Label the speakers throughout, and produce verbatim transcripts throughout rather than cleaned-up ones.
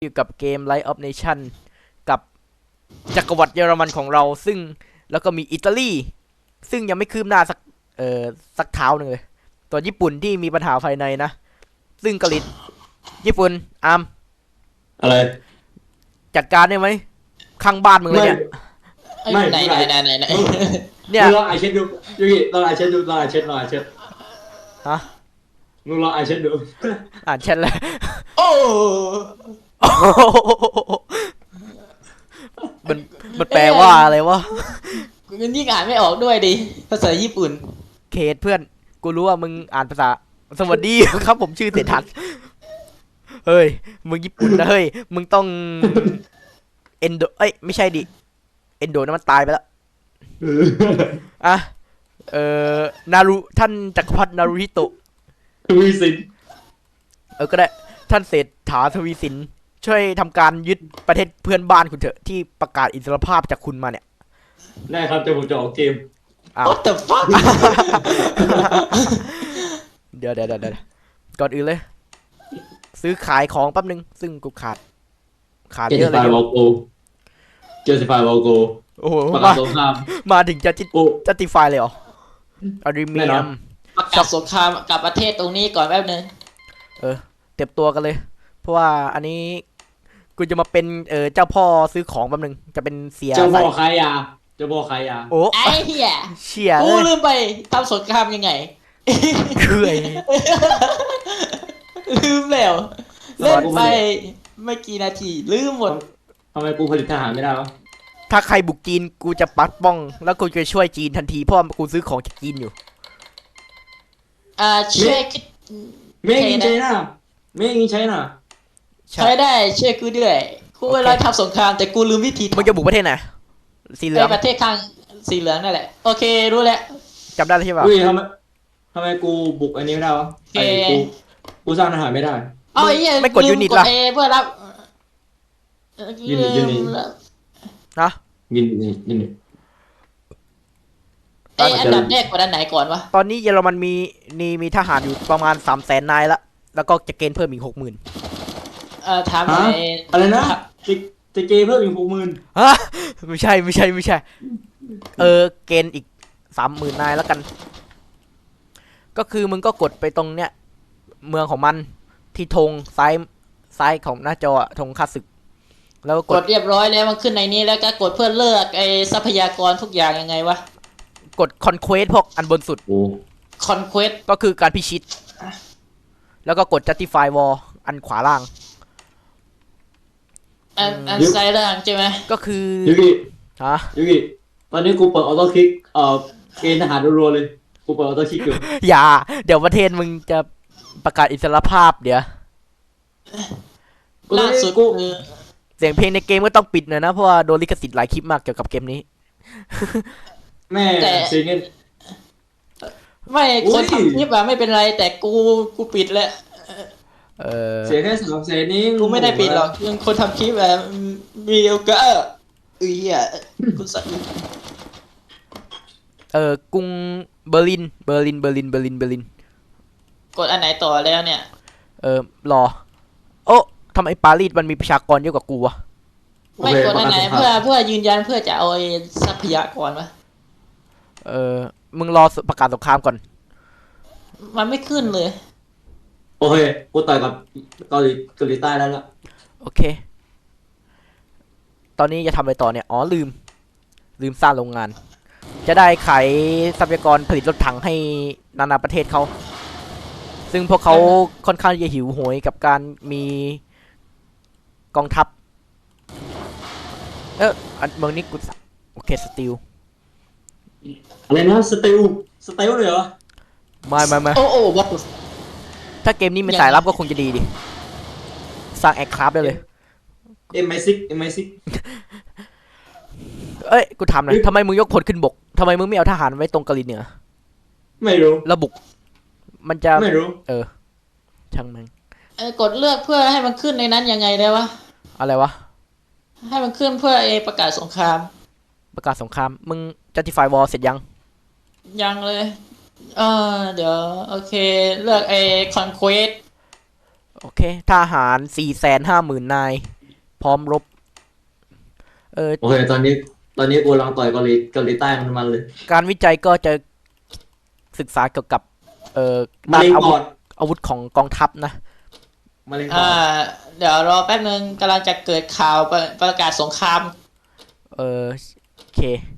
Speaker 1: อยู่กับเกม Light of Nation กับจักรวรรดิเยอรมันของเราซึ่งแล้วก็มีอิตาลีซึ่งยังไม่คืบหน้าสักเอ่อสักเท้าหนึ่งเลยตัวญี่ปุ่นที่มีปัญหาภายในนะซึ่งเกาหลีญี่ปุ่นอาร์ม
Speaker 2: อะไร
Speaker 1: จัดการได้ไหมข้างบ้านมึงเลยเนี่ย
Speaker 2: ไม่
Speaker 3: ไหนไหนไหนไหนไหน
Speaker 1: เนี่ย
Speaker 2: มึงลองไอเช็ดดูยูกิลองไอเช็ดดูลองไอเช็ดลองไอเช็ด
Speaker 1: ฮะ
Speaker 2: มึงลองไอเช็ดดู
Speaker 1: อ่านแชทเลย
Speaker 3: โอ้
Speaker 1: มันมันแปลว่าอะไรวะ
Speaker 3: มันยิ่งอ่านไม่ออกด้วยดิภาษาญี่ปุ่น
Speaker 1: เคสเพื่อนกูรู้ว่ามึงอ่านภาษาสวัสดีครับผมชื่อเศรษฐัสเฮ้ยมึงญี่ปุ่นนะเฮ้ยมึงต้องเอนโดเอ้ยไม่ใช่ดิเอนโดนั่นมันตายไปแล้วอ่ะเอ่อนารุท่านจักรพรรดินารุฮิโตะ
Speaker 2: ทวีสิน
Speaker 1: เออก็ได้ท่านเศรษฐาทวีสินช่วยทำการยึดประเทศเพื่อนบ้านคุณเถอะที่ประกาศอิสรภาพจากคุณมาเนี่ย
Speaker 2: ได้ครับจะผมจะออกเกม
Speaker 1: อ้าว
Speaker 3: What the fuck
Speaker 1: เดี๋ยวเดี๋ยวเดี๋ยวก่อนอื่นเลยซื้อขายของแป๊บนึงซึ่งกูขาดขาดเยอะเลย
Speaker 2: เจสติฟายวอลโกเจสติฟายวอลโก
Speaker 1: โอ้โห
Speaker 2: ประกาศสงคราม
Speaker 1: มาถึงจะจิจะติฟายเลยเหรออาริเมียม
Speaker 3: ประกาศสงครามกับประเทศตรงนี้ก่อนแป๊บนึง
Speaker 1: เออเต็มตัวกันเลยเพราะว่าอันนี้กูจะมาเป็นเออเจ้าพ่อซื้อของแป๊บนึงจะเป็นเสีย
Speaker 2: เจ้าพ่อขายยาเจ้าพ่อขายยา
Speaker 1: โอ้
Speaker 3: ไอ้เหี้ย
Speaker 1: เชี่ย
Speaker 3: กูลืมไปทำสงครามยังไง
Speaker 1: คือไอ้
Speaker 3: ลืมแล้วเล่นไปไม่กี่นาทีลืมหมด
Speaker 2: ทำไมกูผลิตทหารไม่ได้วะ
Speaker 1: ถ้าใครบุกจีนกูจะปัดป้องแล้วกูจะช่วยจีนทันทีเพราะกูซื้อของจากจีนอยู่
Speaker 3: อ่าช่วย
Speaker 2: เมย์กินใช่น่ะเมย์กินใช่น่ะ
Speaker 3: ใช้ได้ช่วยกูด้วยกูเวลาทำสงครามแต่กูลืมวิธี
Speaker 1: มึงจะบุกประเทศไหนสีเหลือง
Speaker 3: ประเทศข้างสีเหลืองนั่นแหละโอเครู้แล้ว
Speaker 1: จำได้ใช่ป่ะ
Speaker 2: อุ้ยทำไมทำไมกูบุกอันนี้ไม่ได้วะไอ้กูกูสร้างทหารไม่ได้
Speaker 3: อ๋อไอ้
Speaker 1: ไม่กดยูนิตล่ะ
Speaker 3: เพื่อรับ
Speaker 2: ยูนิตยูนิต
Speaker 1: นะ
Speaker 2: ยูนิตยูนิต
Speaker 3: ไอ้อันดับแรกกว่าด้านไหนก่อนวะ
Speaker 1: ตอนนี้เยอรมันมีมีมีทหารอยู่ประมาณสามแสนนายละแล้วก็จะเกณฑ์เพิ่มอีกหกหมื่น
Speaker 3: เอ่อถามหน่อย
Speaker 2: อะไรนะจะจะเกณฑ์เพิ่มอีกหกหมื่น
Speaker 1: ฮะไม่ใช่ไม่ใช่ไม่ใช่เออเกณฑ์อีกสามหมื่นนายแล้วกันก็คือมึงก็กดไปตรงเนี้ยเมืองของมันที่ธงซ้ายซ้ายของหน้าจอธงค่าศึกแล้ว
Speaker 3: กดเรียบร้อยแล้วมันขึ้นในนี้แล้วก็กดเพื่อเลือกไอ้ทรัพยากรทุกอย่างยังไงวะ
Speaker 1: กด conquest พวกอันบนสุด
Speaker 3: conquest
Speaker 1: ก็คือการพิชิตแล้วก็กด justify war อันขวาล่าง
Speaker 3: อันอันซ้ายล่างใช่ไหม
Speaker 1: ก็คือ
Speaker 2: ยูกิ
Speaker 1: ฮะ
Speaker 2: ยูกิตอนนี้กูเปิดออโต้คลิกเอ่อเกณฑ์ทหารรัวๆเลยกูเปิดออโต้คลิกอยู่
Speaker 1: อย่าเดี๋ยวประเทศมึงจะประกาศอิสรภาพเดี๋ยว
Speaker 3: ล่าสุด
Speaker 1: กูเสียงเพลงในเกมก็ต้องปิดหน่อยนะเพราะว่าโดนลิขสิทธิ์หลายคลิปมากเกี่ยวกับเกมนี้
Speaker 2: แม่เสียงเงิน
Speaker 3: ไม่คนทำคลิปอะไม่เป็นไรแต่กูกูปิดแล้ว
Speaker 1: เออ
Speaker 2: เสียแค่สามแสนนี้
Speaker 3: กูไม่ได้ปิดหรอกยังคนทำคลิปแบบมีโอกาสเอ้ยอ่ะกูสั่น
Speaker 1: เออกรุงเบอร์ลินเบอร์ลินเบอร์ลินเบอร์ลินเบอร์ลิน
Speaker 3: กดอันไหนต่อแล้วเนี่ย
Speaker 1: เออรอโอ้ทำไมปารีสมันมีประชากรเยอะกว่ากูวะ
Speaker 3: ไม่กดอันไหนเพื่อเพื่อยืนยันเพื่อจะเอาทรัพยากรวะ
Speaker 1: เออมึงรอประกาศสงครามก่อน
Speaker 3: มันไม่ขึ้นเลย
Speaker 2: โอเคกูต่อยกับเกาหลีเกาหลีใต้แล้วล่ะ
Speaker 1: โอเคตอนนี้จะทำอะไรต่อเนี่ยอ๋อลืมลืมสร้างโรงงานจะได้ขายทรัพยากรผลิตรถถังให้นานาประเทศเขาซึ่งพวกเขาค่อนข้างจะหิวโหยกับการมีกองทัพเอออันเมืองนี้กูโอเคสติล
Speaker 2: อะไรนะสติลสติลเลยเหรอ
Speaker 1: ไม่ไม่ไม่
Speaker 3: โอ้โอ้วัด
Speaker 1: ถ้าเกมนี้เป็นสายลับก็คงจะดีดิสร้างแอคคราฟได้เลย
Speaker 2: เอ็มไอซิกเอ็มไอซิก
Speaker 1: เอ้ยกูถามหน่อยทำไมมึงยกพลขึ้นบกทำไมมึงไม่เอาทหารไว้ตรงกะลินเหนือ
Speaker 2: ไม่รู้
Speaker 1: ระบุกมันจะ
Speaker 2: ไม่รู้
Speaker 1: เออช่างมัน
Speaker 3: เออกดเลือกเพื่อให้มันขึ้นในนั้นยังไงได้วะ
Speaker 1: อะไรวะ
Speaker 3: ให้มันขึ้นเพื่อเอประกาศสงคราม
Speaker 1: ประกาศสงครามมึง justify war เสร็จยัง
Speaker 3: ยังเลยเออเดี๋ยวโอเคเลือกไอ้ conquest
Speaker 1: โอเคทหารสี่แสนห้าหมื่นนายพร้อมรบเออ
Speaker 2: โอเคตอนนี้ตอนนี้กูกำลังต่อยเกาหลีเกาหลีใต้มันมันเลย
Speaker 1: การวิจัยก็จะศึกษาเกี่ยวกับเอ่อ
Speaker 2: มะ
Speaker 1: ด้าน
Speaker 2: เร็ง
Speaker 1: อา
Speaker 2: ป
Speaker 1: วุ
Speaker 2: อ
Speaker 1: ธ
Speaker 2: ด
Speaker 1: อาวุธของกองทัพนะ
Speaker 2: มะเร็งปอ
Speaker 3: อ่า
Speaker 2: ด
Speaker 3: เดี๋ยวรอแป๊บนึงกำลังจะเกิดข่าวประประกาศสงคราม
Speaker 1: เออโอเค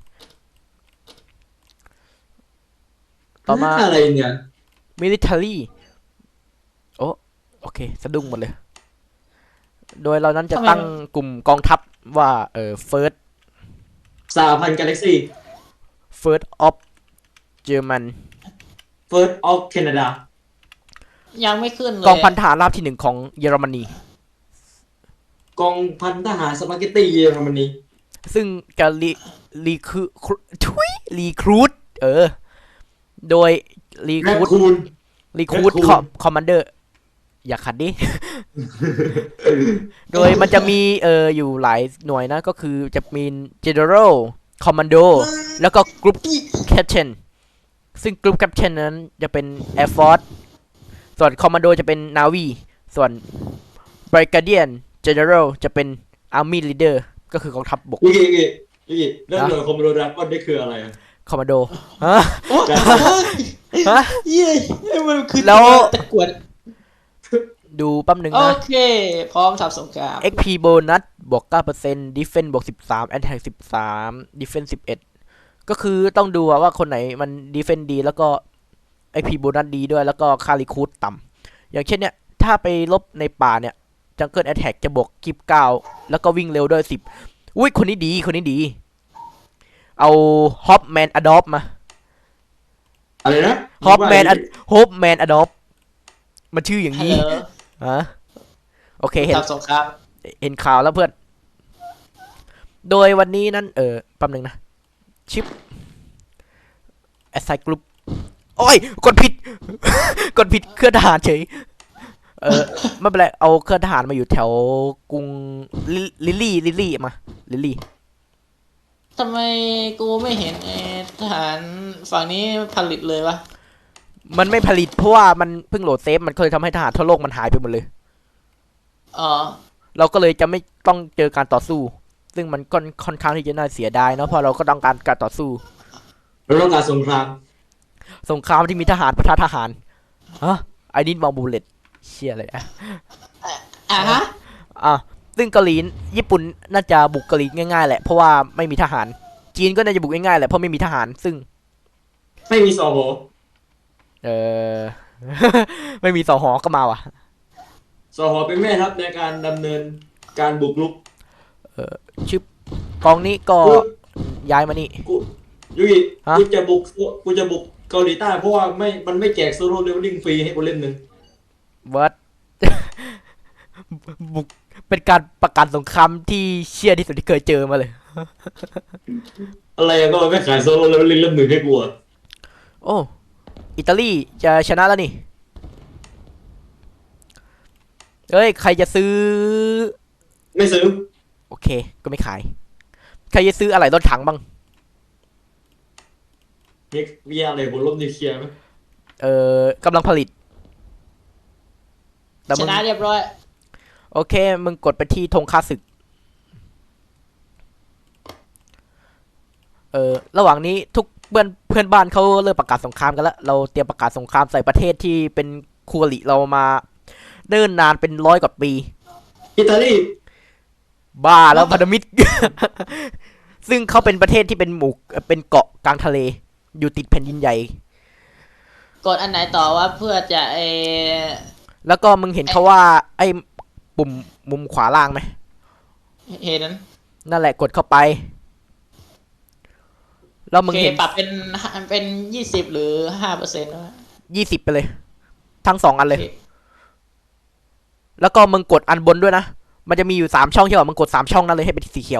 Speaker 1: ต่อมา
Speaker 2: อะไรเนี่ย
Speaker 1: military โอ้โอเค สะดุ้งหมดเลย โดยเรานั้นจะตั้งกลุ่มกองทัพว่าเออ first
Speaker 2: สหพันธ์กาแล็กซี่
Speaker 1: first of German
Speaker 2: First of Canada
Speaker 3: ยังไม่ขึ้นเลย
Speaker 1: กองพันทหารราบที่หนึ่งของเยอรมนี
Speaker 2: กองพันทหารสปาเกตตี้เยอรมนี
Speaker 1: ซึ่งจะรีรีคือทุยรีครูดเออ โดยรีค
Speaker 2: แรค
Speaker 1: รูด
Speaker 2: คูน
Speaker 1: รีครูด
Speaker 2: Raccoon
Speaker 1: คอมมานเดอร์อย่าขัดดิ โดยมันจะมีเอออยู่หลายหน่วยนะ ก็คือจะมี General Commando แล้วก็ Group Captain ซึ่ง Group Captain นั้นจะเป็น Air Force ส่วน Commando จะเป็น Navy ส่วน Brigadier General จะเป็น Army Leader ก็คือกองทัพบก
Speaker 2: ยี่กี่ยี่กี่เรื่องหน่วยคอมโบดราก้อนนี่คืออะไรอะ
Speaker 1: Commando ฮะ
Speaker 3: โอ้
Speaker 1: ฮะ
Speaker 3: เย้มันคือ
Speaker 1: แล้ว
Speaker 3: ตะกรวด
Speaker 1: ดูแป๊บหนึ่ง
Speaker 3: โอ
Speaker 1: นะ
Speaker 3: เค พร้อมทำสงคราม
Speaker 1: เอ็ก พี bonus บวก เก้าเปอร์เซ็นต์ defense บวก สิบสาม attack สิบสาม defense สิบเอ็ด ก็คือต้องดูว่าคนไหนมัน defense ดีแล้วก็ เอ็ก พี bonus ดีด้วยแล้วก็ค่า recruit ต่ำอย่างเช่นเนี่ย ถ้าไปลบในป่าเนี่ย jungle attack จะบวกยี่สิบเก้าแล้วก็วิ่งเร็วด้วยสิบอุ้ยคนนี้ดีคนนี้ดี เอา hopman adopt มา
Speaker 2: อะไรนะ
Speaker 1: hopman Ad- hopman adopt มันชื่ออย่าง
Speaker 3: ฮัล
Speaker 1: นี้
Speaker 3: โหล
Speaker 1: ฮะโอเคเห็น
Speaker 3: ทำสงคราม
Speaker 1: เห็นข่าวแล้วเพื่อน โดยวันนี้นั้นเออแป๊บนึงนะ ชิป assign group โอ้ย กดผิด กดผิดเครื่องทหารเฉย เออ ไม่เป็นไร เอาเครื่องทหารมาอยู่แถวกรุงลิลิลลี่ลิลลี่มา ลิลลี่
Speaker 3: ทำไมกูไม่เห็นไอ้ทหารฝั่งนี้ผลิตเลยวะ
Speaker 1: มันไม่ผลิตเพราะว่ามันเพิ่งโหลดเซฟ มันเคยทำให้ทหารทั่วโลกมันหายไปหมดเลย
Speaker 3: อ๋อ
Speaker 1: เราก็เลยจะไม่ต้องเจอการต่อสู้ ซึ่งมันก็ค่อนข้างที่จะน่าเสียดายเนาะ เพราะเราก็ต้องการการต่อสู้
Speaker 2: เราต้องการสงคราม
Speaker 1: สงครามที่มีทหารปะทะทหาร ฮะไอ้นิดมองบูเลตเชี่ยอะไรอะ
Speaker 3: อ่ะฮะ
Speaker 1: อ่ะซึ่งเกาหลีญี่ปุ่นน่าจะบุกเกาหลีง่ายๆแหละ เพราะว่าไม่มีทหาร จีนก็น่าจะบุกง่ายๆแหละ เพราะไม่มีทหาร ซึ่ง
Speaker 2: ไม่มีสอหอ
Speaker 1: เออ ไม่มีสอหอก็มาว่ะ
Speaker 2: สอหอเป็นแม่ทัพในการดำเนินการบุกรุก
Speaker 1: ชื่อกองนี้ก็
Speaker 2: กู
Speaker 1: ย้ายมานี่
Speaker 2: กูยุย
Speaker 1: ฮะ
Speaker 2: กูจะบุกกูจะบุกเกาหลีใต้เพราะว่าไม่มันไม่แจกโซโล่เลเวลลิ่งฟรีให้กูเล่นหนึ่ง
Speaker 1: เวิร์ด บุกเป็นการประกาศสงครามที่เชี่ยที่สุดที่เคยเจอมาเลย
Speaker 2: อะไรอะก็ไม่ขายโซโล่เลเวลลิ่งเล่มหนึ่งให้กูอะ
Speaker 1: โอ้ อิตาลีจะชนะแล้วนี่ เอ้ย ใครจะซื้อ
Speaker 2: ไม่ซื้อ
Speaker 1: โอเค ก็ไม่ขาย ใครจะซื้ออะไรรถถังบ้าง
Speaker 2: มีมีอะไรบนลบนิวเคลียร์ไหม
Speaker 1: เออกำลังผลิต แต่
Speaker 3: ช
Speaker 1: มึง
Speaker 3: นะเรียบร้อย
Speaker 1: โอเค มึงกดไปที่ธงค่าศึก เออระหว่างนี้ทุกเพื่อนเพื่อนบ้านเขาเริ่มประกาศสงครามกันแล้ว เราเตรียมประกาศสงครามใส่ประเทศที่เป็นคู่อริเรามาเนิ่นนานเป็นร้อยกว่าปี
Speaker 2: อิตาลี
Speaker 1: บ้าแล้วพันธมิตร ซึ่งเขาเป็นประเทศที่เป็นหมู่เอ่อเป็นเกาะกลางทะเล อยู่ติดแผ่นดินใหญ่
Speaker 3: กดอันไหนต่อว่าเพื่อจะเออ
Speaker 1: แล้วก็มึงเห็นเขาว่า ไอ้ปุ่มมุมขวาล่างไหม
Speaker 3: เห็นนั้น
Speaker 1: นั่นแหละกดเข้าไป แล้ว
Speaker 3: โอ
Speaker 1: มึง
Speaker 3: เค
Speaker 1: เห็น
Speaker 3: ปรับเป็นเป็นยี่สิบหรือห้าเปอร์เซ็นต์วะ
Speaker 1: ยี่สิบไปเลย ทั้งสองอันเลย
Speaker 3: โอเค
Speaker 1: แล้วก็มึงกดอันบนด้วยนะ มันจะมีอยู่สามช่องใช่ป่ะมึงกดสามช่องนั่นเลยให้เป็นสีเขียว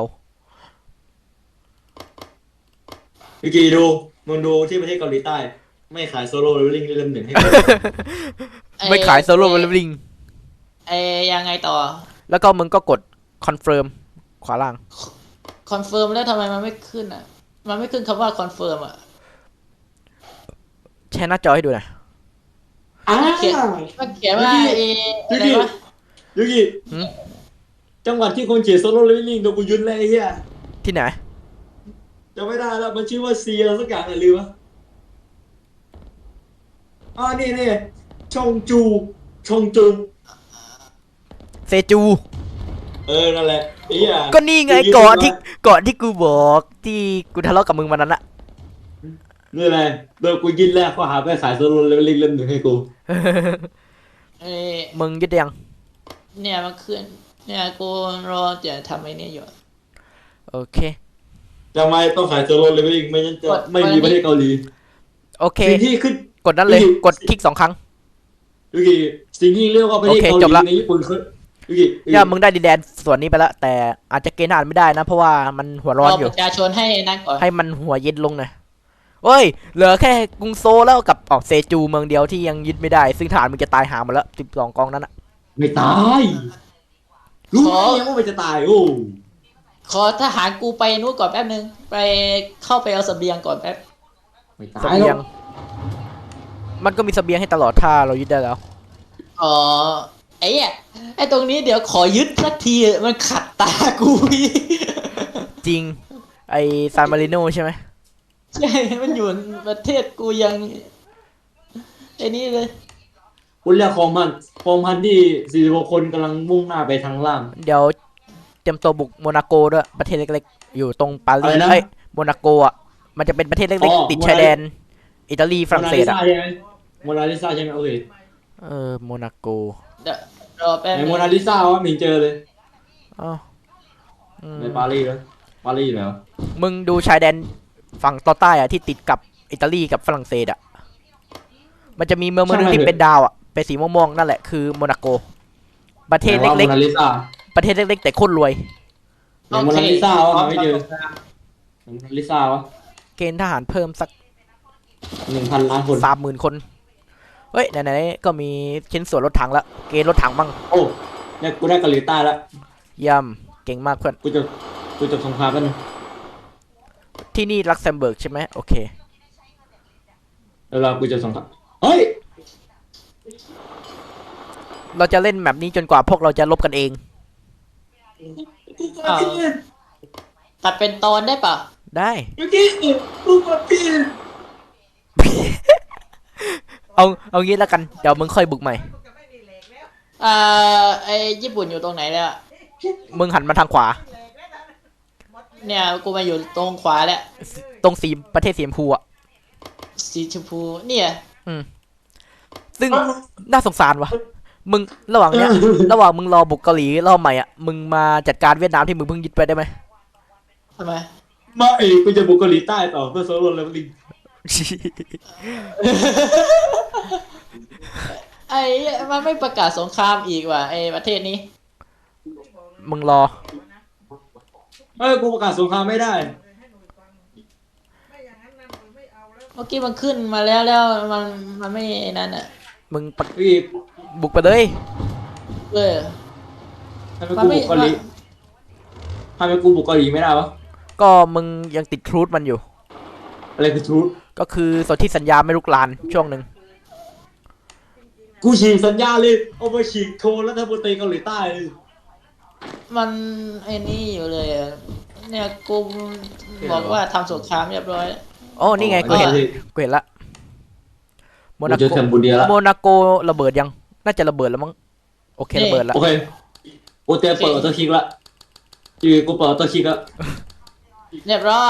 Speaker 2: วิกีดูมึงดูที่ประเทศเกาหลีใต้ ไม่ขายโซโล่เลเวลลิ่งเล่มหนึ่งให้กู
Speaker 1: ไม่ขายโซโล่เลเวลลิ่ง
Speaker 3: ไอ้ยังไงต่อ
Speaker 1: แล้วก็มึงก็กดคอนเฟิร์มขวาล่าง
Speaker 3: คอนเฟิร์มแล้วทำไมมันไม่ขึ้นอ่ะ มันไม่ขึ้นคำว่าคอนเฟิร์มอ่ะ
Speaker 1: แชร์หน้าจอให้ดูหน่อย
Speaker 2: อ้า
Speaker 3: เขียนมันเขียนว่าเอ
Speaker 2: ยู
Speaker 3: อะไร
Speaker 2: กิ
Speaker 3: วะ
Speaker 2: ยูกิ
Speaker 1: หืม
Speaker 2: จังหวัดที่คนเขียนโซโล่เลเวลลิ่งโดนกูยึดเลยไอ้เหี้ย
Speaker 1: ที่ไหน
Speaker 2: จำไม่ได้แล้วมันชื่อว่าเซียอะไรสักอย่างอะไรลืมวะอ๋อนี่นี่ชงจูชงจู
Speaker 1: เซจู
Speaker 2: เออนั่นแหละไอ้เหี้ย
Speaker 1: ก็นี่ไงเกาะที่เกาะที่กูบอกที่กูทะเลาะกับมึงวันนั้นอะ
Speaker 2: นี่แหละโดนกูยึดแรกข้อหาไปขายโซโล่เลเวลลิ่งเล่มหนึ่งให้กู
Speaker 3: เอ้ย
Speaker 1: มึงยึดได้ยัง
Speaker 3: เนี่ยมันขึ้นเนี่ยกูรอจะทำไอ้นี่อยู่
Speaker 1: โอเค
Speaker 2: ทำไมต้องขายโซโล่เลเวลลิ่งไม่งั้นจะ
Speaker 3: กด
Speaker 2: ไม่มีประเทศเกาหลี
Speaker 1: โอเค
Speaker 2: สิ่งที่ขึ้น
Speaker 1: กดนั้นเลย
Speaker 2: ยูกิ
Speaker 1: กดคลิกสองครั้ง
Speaker 2: ยูกิสิ่งที่เรียกว่าประเทศ
Speaker 1: โอเค
Speaker 2: เกาห
Speaker 1: จบ
Speaker 2: ลี
Speaker 1: ละ
Speaker 2: ในญี่ปุ่นคือยูกิยูกิ
Speaker 1: ย่ามึงได้ดินแดนส่วนนี้ไปแล้วแต่อาจจะเกณฑ์ทหารไม่ได้นะ เพราะว่ามันหัวร้อน
Speaker 3: รอ
Speaker 1: อ
Speaker 3: ป
Speaker 1: ยู่
Speaker 3: ระชาชนให้นั่นก่อน
Speaker 1: ให้มันหัวเย็นลงหน่อยเฮ้ย เหลือแค่กรุงโซลแล้วกับออกเซจูเมืองเดียวที่ยังยึดไม่ได้ ซึ่งทหารมึงจะตายหาหมดแล้วสิบสองกองนั้นอะ
Speaker 2: ไม่ตายรู้ไหมยังว่ามันจะตายโอ้
Speaker 3: ขอทหารกูไปนู้นก่อนแป๊บนึงไปเข้าไปเอาเสบียงก่อนแป๊บ
Speaker 2: ไม่ตา
Speaker 1: เส
Speaker 2: ย
Speaker 1: บี
Speaker 2: หร
Speaker 1: ย
Speaker 2: อง ก
Speaker 1: มันก็มีเสบียงให้ตลอดถ้าเรายึดได้แล้ว
Speaker 3: อ๋อไอ้เนี่ยไอ้ตรงนี้เดี๋ยวขอยึดสักทีมันขัดตากูอีก
Speaker 1: จริง ไอซานมาริโนใช่ไหม
Speaker 3: ใช่มันอยู่ประเทศกูยังไอ้นี่เลย
Speaker 2: คุณเรียกของมันของพันที่สี่สิบหกคนกำลังมุ่งหน้าไปทางล่าง
Speaker 1: เดี๋ยวเตรียมตัวบุกโมนาโกด้วยประเทศเล็กๆ อยู่ตรงปารี
Speaker 2: อะไร
Speaker 1: ส
Speaker 2: นะ
Speaker 1: เอ้ยโมนาโกอ่ะมันจะเป็นประเทศ
Speaker 2: อ๋
Speaker 1: เล็ก
Speaker 2: อ
Speaker 1: ๆ ติด
Speaker 2: โมนา
Speaker 1: ชายแดน อิตาลีฝรั่งเศสอ่ะ
Speaker 2: โมนาลิซาใช่ไหมโอเค
Speaker 1: เออโมนาโก
Speaker 3: เดี๋ยวรอแป๊บ
Speaker 2: ไหน
Speaker 3: นึง
Speaker 2: โมนาลิซาวะมินเจอเลย
Speaker 1: อ้าวอืม
Speaker 2: ในปารีสแล้วปารีสแล้ว
Speaker 1: มึงดูชายแดนฝั่งตอนใต้อ่ะที่ติดกับอิตาลีกับฝรั่งเศสอ่ะมันจะมีเมืองเมืองหนึงที่เป็นดาวอ่ะเป็นสีม่วงๆนั่นแหละคือโมนาโก ประเทศ
Speaker 2: ไหนว่า
Speaker 1: เล็ก
Speaker 2: โมนาลิซา
Speaker 1: ๆ ประเทศเล็กๆ แต่โคตรรวย
Speaker 2: ไหนโมนาลิซาวะหาไม่เจอโมนาลิซาวะ
Speaker 1: เกณฑ์ทหารเพิ่มสัก
Speaker 2: หนึ่งพันล้านคน
Speaker 1: สามหมื่นคน เฮ้ย ไหนๆ ก็มีชิ้นส่วนรถถังแล้ว เกณฑ์รถถังบ้าง
Speaker 2: โอ้เนี่ยกูได้เกาหลีใต้แล้ว
Speaker 1: เยี่ยมเก่งมากเพื่อน
Speaker 2: กูจะกูจะสงครามกันง
Speaker 1: ที่นี่ลักเซมเบิร์กใช่ไหมโอเค
Speaker 2: แล้วเรากูจะสงครามเฮ้ย
Speaker 1: เราจะเล่นแบบนี้จนกว่าพวกเราจะลบกันเอง
Speaker 2: กูกดผิด
Speaker 3: ตัดเป็นตอนได้ปะ
Speaker 1: ได้
Speaker 2: เมื่อกี้กูกดผิด
Speaker 1: เอาเอางี้แล้วกัน เดี๋ยวมึงค่อยบุกใหม่
Speaker 3: อ่าไอ้ญี่ปุ่นอยู่ตรงไหนแล้ว
Speaker 1: มึงหันมาทางขวา
Speaker 3: เนี่ยกูมาอยู่ตรงขวาแล้ว
Speaker 1: ตรงสีประเทศสีชมพูอ่ะ
Speaker 3: สีชมพูเนี่ย
Speaker 1: ซึ่งน่าสงสารวะมึงระหว่างเนี้ย ระหว่างมึงรอบุกเกาหลีรอบใหม่อ่ะ มึงมาจัดการเวียดนามที่มึงเพิ่งยึดไปได้ไหม
Speaker 3: ทำไม
Speaker 2: มาเอ้กูจะบุกเกาหลีใต้ต่อเพื่อโซโล่เลเวลลิ่ง
Speaker 3: ไอ้มันไม่ประกาศสงครามอีกว่ะไอ้ประเทศนี้
Speaker 1: มึงรอ
Speaker 2: เอ้ยกูประกาศสงครามไม่ได้
Speaker 3: เมื่อกี้มันขึ้นมาแล้วแล้วมันมันไม่นั่นอ่ะ
Speaker 1: มึงปะ
Speaker 2: พี่
Speaker 1: บุกไปเลย
Speaker 3: เออ
Speaker 2: ทำไมกูบุกเกาหลีทำไมกูบุกเกาหลีไม่ได้วะ
Speaker 1: ก็มึงยังติดทรูดมันอยู่
Speaker 2: อะไรคือทูต
Speaker 1: ก็คือสนธิสัญญาไม่ลุกลานช่วงหนึ่ง
Speaker 2: กูฉีกสัญญาเลยเอาไปฉีกโทรรัฐมนตรีเกาหลีใต้เลย
Speaker 3: มันไอ้นี่อยู่เลยอะเนี่ยกูบอกว่าทำสงครามเรียบร้อยแล้ว
Speaker 1: โอ้นี่ไงกูเห็นกูเห็นละโม
Speaker 2: กู
Speaker 1: นา
Speaker 2: เจอ
Speaker 1: โก
Speaker 2: แคมบูเดียแล้ว
Speaker 1: โมนาโกระเบิดยัง น่าจะระเบิดแล้วมั้ง โอเคระเบิดแล้ว
Speaker 2: โอเคกูเตรียมเปิดออโต้คลิกละอยู่กูเปิดออโต้คลิกละ
Speaker 3: เรียบร้อย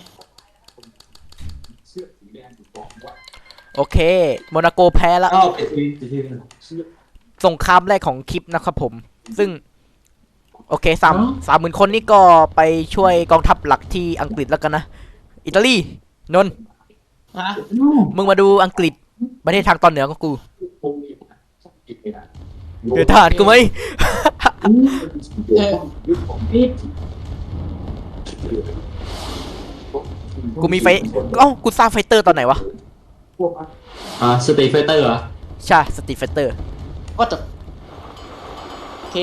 Speaker 1: โอเค โมนาโกแพ้ละ
Speaker 2: อ้าวปิดทีวีปิดทีวี
Speaker 1: สงครามแรกของคลิปนะครับผม ซึ่ง โอเคสามสามหมื่นคนนี่ก็ไปช่วยกองทัพหลักที่อังกฤษแล้วกันนะ อิตาลี นนท์
Speaker 3: ฮะ
Speaker 1: มึงมาดูอังกฤษประเทศทางตอนเหนือของกูเดือดทหารกูไหม
Speaker 3: เออ
Speaker 1: กูมีไฟ เอ้า กูสร้างไฟเตอร์ตอนไหนวะ
Speaker 2: อ่าสเตย์ไฟเตอร์เหรอ
Speaker 1: ใช่สตรีทไฟเตอร์
Speaker 3: ว่าจะโอเค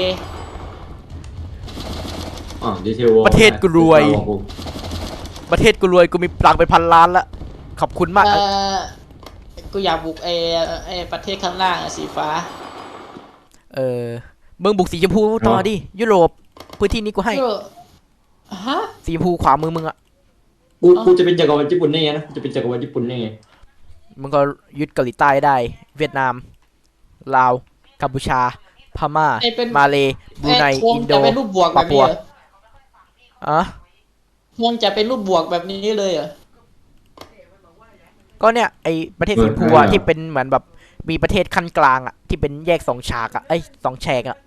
Speaker 2: อ่าดีเทล
Speaker 1: ประเทศกูรวย ประเทศกูรวย กูมีปลังเป็นพันล้านละ ขอบคุณมาก
Speaker 3: เอ่อกูอยากบุกไอ้ไอ้ประเทศข้างล่างอะสีฟ้า
Speaker 1: เออมึงบุกสีชมพูต่อดิยุโรปพื้นที่นี้กูให้
Speaker 3: ก็ฮะ
Speaker 1: สีชมพูขวามือมึงอะ
Speaker 2: กูกูจะเป็นจักรวรรดิญี่ปุ่นได้ไงนะกูจะเป็นจักรวรรดิญี่ปุ่นได้ไง
Speaker 1: มึงก็ยึดเกาหลีใต้ได้ เวียดนามลาวกัมพูชาพม่า
Speaker 3: ไอ้เป็น
Speaker 1: มาเลบรูไน
Speaker 3: ไอ้ธง
Speaker 1: อินโด
Speaker 3: จะเป็นรูปบวกแบบนี้เหรอ
Speaker 1: อ่ะ
Speaker 3: ธงจะเป็นรูปบวกแบบนี้เลยเหรอ
Speaker 1: ก็เนี่ยไอประเทศสีชมพูอะที่เป็นเหมือนแบบมีประเทศขั้นกลางอะที่เป็นแยกสองฉากอะไอยสองแฉกอะ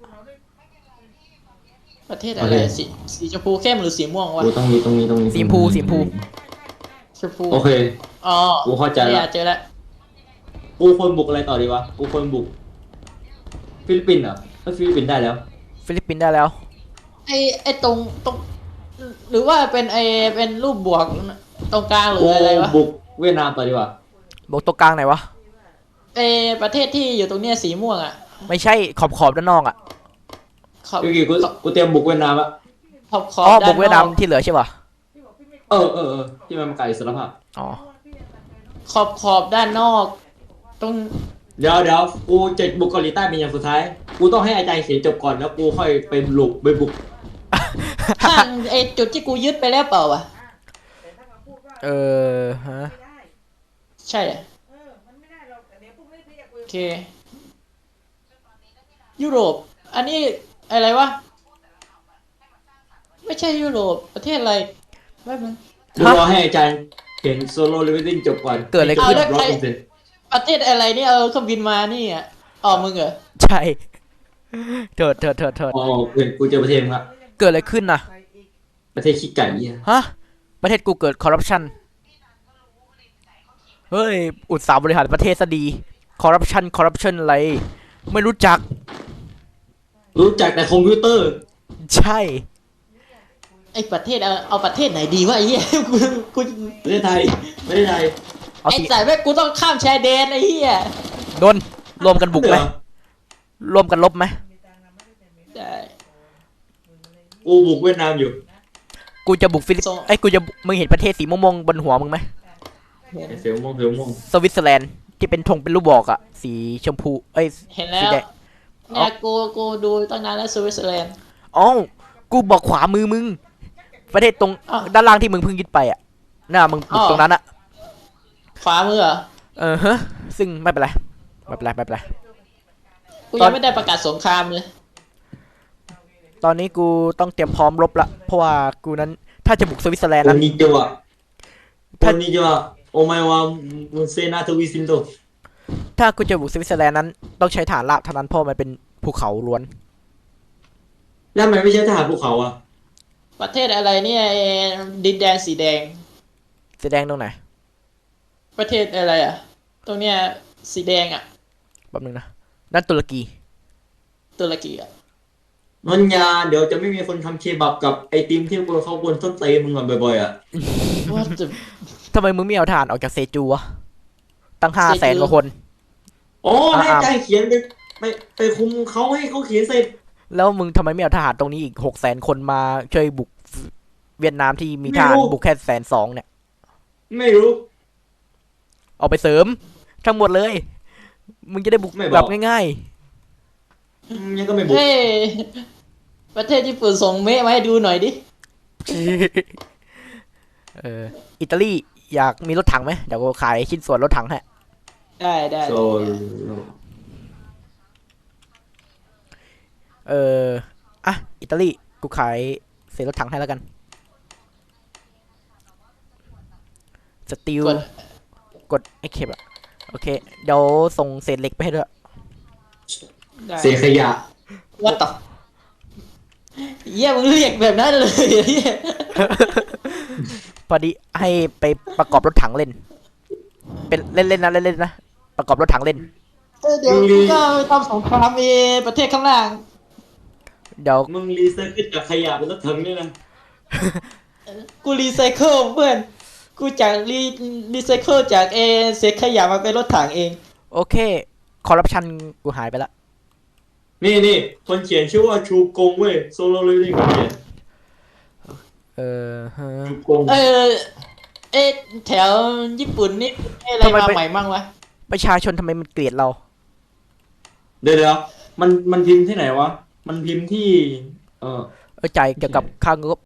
Speaker 3: ประเทศอะไรสีสีชมพูเข้มหรือสีม่วงวะ
Speaker 2: กูต้องมีตรงนี้ตรงนี้
Speaker 1: สีชมพูสีชมพู
Speaker 3: ชมพู
Speaker 2: โอเค
Speaker 3: อ๋อ
Speaker 2: กูเข้าใจ
Speaker 3: เนี่
Speaker 2: ละ
Speaker 3: ยเจอแล้ว
Speaker 2: กูควรบุกอะไรต่อดีวะกูควรบุกฟิลิปปินส์เหรอเอ้ยฟิลิปปินส์ได้แล้ว
Speaker 1: ฟิลิปปินส์ได้แล้ว
Speaker 3: ไอ้ไอ้ตรงตรงหรือว่าเป็นไอ้เป็นรูปบวกตรงกลางหรื
Speaker 2: กู
Speaker 3: ออะไรวะ
Speaker 2: บุกเวียดนามต่อดีกว่า
Speaker 1: บอกตัวกลางไหนวะ
Speaker 3: ไอ้ประเทศที่อยู่ตรงเนี้ยสีม่วงอ่ะ
Speaker 1: ไม่ใช่ขอบขอบด้านนอกอะ
Speaker 3: ขอบ
Speaker 2: เมื่อกี้กูกูเตรียมบุกเวียดนามละ
Speaker 3: ขอบขอ
Speaker 1: อ๋
Speaker 3: บ
Speaker 1: อ
Speaker 3: ด้า
Speaker 1: บุก
Speaker 3: น
Speaker 1: เวียด
Speaker 3: น
Speaker 1: นา
Speaker 3: อ
Speaker 1: ม
Speaker 3: ก
Speaker 1: ที่เหลือใช่ป่ะ
Speaker 2: เออเออเออที่มันมาไกลอิสรภาพ
Speaker 1: อ๋อ
Speaker 3: ขอบขอบด้านนอก ตรง
Speaker 2: เดี๋ยวเดี๋ยวกูจะบุกเกาหลีใต้เป็นอย่างสุดท้าย กูต้องให้อาจารย์เขียนจบก่อนแล้วกูค่อยไปบุกไปบุก
Speaker 3: ข้างไอ้จุดที่กูยึดไปแล้วเปล่าวะ
Speaker 1: เออฮะ
Speaker 3: ใช่อะโอเค ยุโรป อันนี้อะไรวะ ไม่ใช่ยุโรป ประเทศอะไรแป๊บนึง
Speaker 2: กูรอให้อาจารย์เขียนโซโล่เลเวลลิ่งจบก่อน
Speaker 1: เกิดอะไรขึ้น
Speaker 2: ร้อยเปอร์เซ็นต์
Speaker 3: ประเทศอะไรเนี่ยเออเครื่องบินมานี่อ่ะอ๋อมึงเหรอ
Speaker 1: ใช่เถิดเถิดเถิดเถิด
Speaker 2: อ๋อเห็นกูเจอประเทศมึงละ
Speaker 1: เกิดอะไรขึ้นน่ะ
Speaker 2: ประเทศขี้ไก่เนี่ย
Speaker 1: ฮะ ประเทศกูเกิดคอร์รัปชัน เฮ้ย อุตสาหบริหารประเทศซะดี คอร์รัปชัน คอร์รัปชันอะไร ไม่รู้จัก
Speaker 2: รู้จักแต่คอมพิวเตอร์
Speaker 1: ใช่
Speaker 3: ไอประเทศเอาเอาประเทศไหนดีวะไอ้เหี้ย กูกู
Speaker 2: ประเทศไทยประเทศไทย
Speaker 1: เอา
Speaker 3: ไอ้
Speaker 1: สิ
Speaker 3: สายแม่งกูต้องข้ามชายแดนไอ้เหี้ย
Speaker 1: โดนรวมกันบุกไหม
Speaker 2: เหรอ
Speaker 1: รวมกันลบไหม
Speaker 3: ได้
Speaker 2: กูบุกเวียดนามอยู่
Speaker 1: กูจะบุกฟิลิป
Speaker 3: ส่ง
Speaker 1: ไอ้ยกูจะ มึงเห็นประเทศสีม่วงๆบนหัวมึงไหม
Speaker 2: ไอ้เฟียวม่วงเฟียวม่วง
Speaker 1: สวิตเซอร์แลนด์ที่เป็นธงเป็นรูปบอกอะสีชมพู เอ้ย
Speaker 3: เห็นแล้
Speaker 1: สี
Speaker 3: ว
Speaker 1: แดง
Speaker 3: เนี่ยกูกูดูตั้งนานแล้วสวิตเซอร์แลนด์
Speaker 1: อ๋อ กูบอกขวามือมึง ประเทศตรง
Speaker 3: อ้าว
Speaker 1: ด้านล่างที่มึงเพิ่งยึดไปอะน่ามึงบุก
Speaker 3: อ้าว
Speaker 1: ตรงนั้นอะ
Speaker 3: ขวามือเหรอ
Speaker 1: เออฮะ ซึ่งไม่เป็นไร ไม่เป็นไร ไม่เป็นไร
Speaker 3: กู
Speaker 1: ตอ
Speaker 3: ยั
Speaker 1: น
Speaker 3: งไม่ได้ประกาศสงครามเลย
Speaker 1: ตอนนี้กูต้องเตรียมพร้อมรบละ เพราะว่ากูนั้น ถ้าจะบุกสวิตเซอร์แลนด์
Speaker 2: โอ
Speaker 1: นั้น
Speaker 2: นิจวะโอ
Speaker 1: ถ้า
Speaker 2: นิจวะโอไมวามุนเซนาทวิซินโต
Speaker 1: ถ้ากูจะบุกสวิตเซอร์แลนด์นั้น ต้องใช้ฐานราบเท่านั้นเพราะมันเป็นภูเขาล้วน
Speaker 2: แล้วทำไมไม่ใช่ทหารภูเขาอ่ะ
Speaker 3: ประเทศอะไรเนี่ยไอ้ดินแดนสีแดง
Speaker 1: สีแดงตรงไหน
Speaker 3: ประเทศอะไรอ่ะ ตรงเนี้ยสีแดงอ่ะ
Speaker 1: แป๊บนึงนะ นั่นตุรกี
Speaker 3: ตุรกีอ่ะ
Speaker 2: นนยาเดี๋ยวจะไม่มีคนทำเคบับกับไอติมที่กูเขาบนต้นเตยมึงอ่ะบ่อยๆอ่ะ
Speaker 3: ว่าจะ
Speaker 1: ทำไมมึงไม่เอาฐานออกจากเซจูวะ ตั้งห้า
Speaker 3: เซ
Speaker 1: แสน
Speaker 3: จู
Speaker 1: กว่าคน
Speaker 2: โอ้ให้
Speaker 1: อ่า
Speaker 2: ใจเขียนไปไปไปคุมเขาให้เขาเขียนเสร็จ
Speaker 1: แล้วมึงทำไมไม่เอาทหารตรงนี้อีกหกแสนคนมาช่วยบุกเวียดนามที่มีทหารบุกแค่แสนสองเนี่ย
Speaker 2: ไม่รู้
Speaker 1: เอาไปเสริม ทั้งหมดเลย มึงจะได้บุก
Speaker 2: ไม่บอก
Speaker 1: แบบง่าย
Speaker 2: อืมยังก็ไม่บุก
Speaker 3: เฮ้ยประเทศญี่ปุ่นส่งเมะมาให้ดูหน่อยดิ
Speaker 1: ๆ เออ อิตาลีอยากมีรถถังไหมเดี๋ยวกูขายชิ้นส่วนรถถังให้
Speaker 3: ได้ได้
Speaker 2: โซ
Speaker 1: เออ อ่ะ อิตาลี กูขายเศษรถถังให้แล้วกัน สตีล
Speaker 3: กด
Speaker 1: กดไอ้เข็บอะโอเค เดี๋ยวส่งเศษเหล็กไปให้ด้วย
Speaker 3: ได้
Speaker 2: เสียขยะ
Speaker 3: ว่าต่อเยี่ยมึงเรียกแบบนั้นเลยเหี้ย
Speaker 1: พอดีให้ไปประกอบรถถังเล่น เป็นเล่นๆนะเล่นๆนะ ประกอบรถถังเล่น
Speaker 3: เออเดี๋ยวกูก็ไปทำสงครามเอประเทศข้างล่าง
Speaker 1: เดี๋ยว
Speaker 2: มึงรีไซเคิลจากขยะเป็นรถถังด้วยนะ
Speaker 3: กูรีไซเคิลเพื่อน กูจากรีรีไซเคิลจากเอเศษขยะมาเป็นรถถังเอง
Speaker 1: โอเค คอร์รัปชันกูหายไปละ
Speaker 2: นี่นี่คนเขียนชื่อว่าชูกงเว้ยโซโลเลเวลลิ่งคนเขียน
Speaker 1: เออฮะ
Speaker 2: ชูกง
Speaker 3: เออเอะแถวญี่ปุ่นนี่มีอะไร
Speaker 1: ทำไม
Speaker 3: มา
Speaker 1: ไป
Speaker 3: ใหม่มั่งวะ
Speaker 1: ไปประชาชนทำไมมันเกลียดเรา
Speaker 2: เดี๋ยวเดี๋ยวมันมันพิมพ์ที่ไหนวะ มันพิมพ์ที่ เออ
Speaker 1: เออจ่ายเกี่ยวกับค่างบ